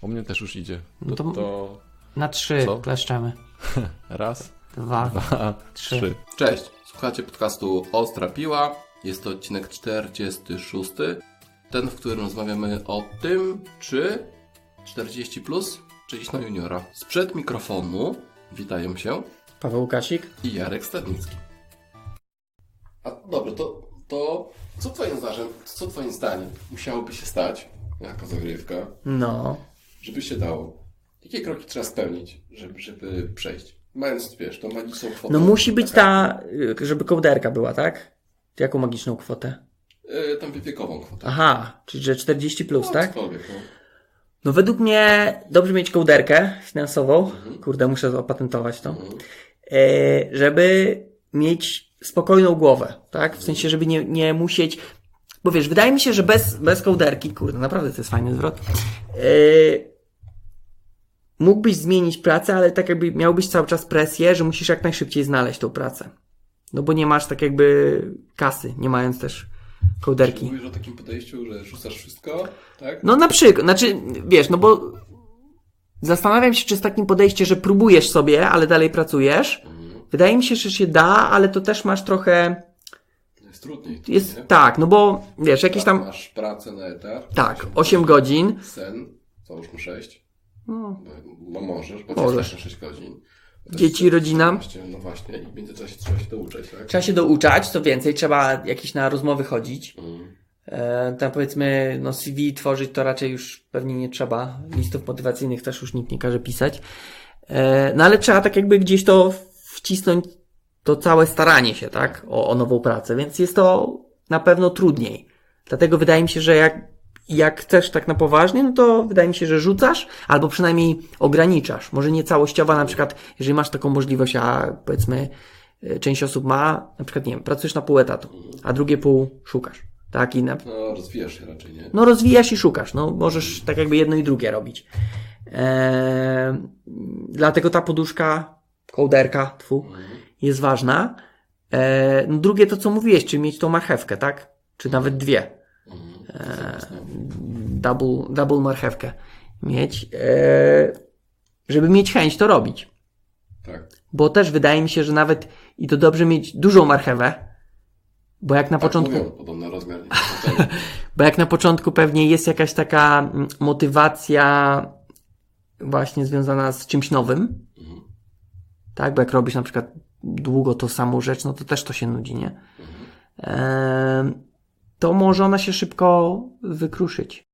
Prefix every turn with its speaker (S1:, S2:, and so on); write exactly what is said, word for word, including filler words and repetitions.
S1: U mnie też już idzie. To,
S2: No to,
S1: to...
S2: na trzy
S1: Co?
S2: kleszczemy.
S1: Raz,
S2: Dwa,
S1: dwa,
S2: trzy.
S1: trzy.
S3: Cześć, słuchacie podcastu Ostra Piła. Jest to odcinek czterdziesty szósty. Ten, w którym rozmawiamy o tym, czy czterdzieści plus, czy iść na juniora. Sprzed mikrofonu witają się
S2: Paweł Łukasik.
S3: i Jarek Stadnicki. A dobra, to, to co twoim zdaniem, co twoim zdaniem musiałoby się stać jako zagrywka,
S2: No.
S3: żeby się dało? Jakie kroki trzeba spełnić, żeby, żeby przejść? Mając, wiesz, tą magiczną kwotę.
S2: No musi być
S3: taka,
S2: ta, y, żeby kołderka była, tak? Jaką magiczną kwotę?
S3: Yy, tam wiekową kwotę.
S2: Aha, czyli że czterdzieści plus,
S3: No,
S2: tak?
S3: cokolwiek, no.
S2: No według mnie dobrze mieć kołderkę finansową.
S3: Mhm.
S2: Kurde, muszę opatentować to.
S3: Mhm.
S2: E, żeby mieć spokojną głowę, tak? W sensie, żeby nie, nie musieć... Bo wiesz, wydaje mi się, że bez, bez kołderki, kurde, naprawdę to jest fajny zwrot, e, mógłbyś zmienić pracę, ale tak jakby miałbyś cały czas presję, że musisz jak najszybciej znaleźć tą pracę. No bo nie masz tak jakby kasy, nie mając też kołderki.
S3: Mówisz o takim podejściu, że rzucasz wszystko, tak?
S2: No na przykład, znaczy, wiesz, no bo zastanawiam się, czy z takim podejściem, że próbujesz sobie, ale dalej pracujesz,
S3: Mhm.
S2: wydaje mi się, że się da, ale to też masz trochę,
S3: Jest trudniej.
S2: jest,
S3: nie?
S2: tak, no bo, wiesz, jakieś tam,
S3: Masz pracę na etat.
S2: tak, osiem godzin,
S3: Sen, załóżmy sześć.
S2: no,
S3: Bo możesz, bo
S2: Możesz.
S3: możesz. sześć godzin.
S2: Dzieci, rodzina.
S3: czternaście, No właśnie, i w międzyczasie trzeba się douczać, tak?
S2: trzeba się douczać, co więcej, trzeba jakieś na rozmowy chodzić,
S3: Mhm.
S2: e, tam powiedzmy, no C V tworzyć to raczej już pewnie nie trzeba, listów motywacyjnych też już nikt nie każe pisać, e, no ale trzeba tak jakby gdzieś to wcisnąć, to całe staranie się, tak, o, o nową pracę, więc jest to na pewno trudniej. Dlatego wydaje mi się, że jak, jak chcesz tak na poważnie, no to wydaje mi się, że rzucasz, albo przynajmniej ograniczasz. Może nie całościowa, na przykład, jeżeli masz taką możliwość, a powiedzmy, y, część osób ma, na przykład, nie wiem, pracujesz na pół etatu, a drugie pół szukasz, tak, i na,
S3: No, rozwijasz się raczej, nie?
S2: no rozwijasz i szukasz, no możesz tak jakby jedno i drugie robić. Eee, dlatego ta poduszka, kołderka, tfu,
S3: Mhm.
S2: jest ważna. E, no drugie to, co mówiłeś, czyli mieć tą marchewkę, tak? Czy nawet dwie.
S3: Mhm.
S2: E,
S3: Jasne.
S2: double, double marchewkę mieć. E, żeby mieć chęć to robić.
S3: Tak.
S2: Bo też wydaje mi się, że nawet i to dobrze mieć dużą marchewę, bo jak na
S3: Tak
S2: początku...
S3: mówią, podobno rozmiar nie jest
S2: Bo jak na początku pewnie jest jakaś taka mm, motywacja właśnie związana z czymś nowym,
S3: Mhm.
S2: tak? Bo jak robisz na przykład długo tą samą rzecz, no to też to się nudzi, nie?
S3: Mhm.
S2: Eee, to może ona się szybko wykruszyć.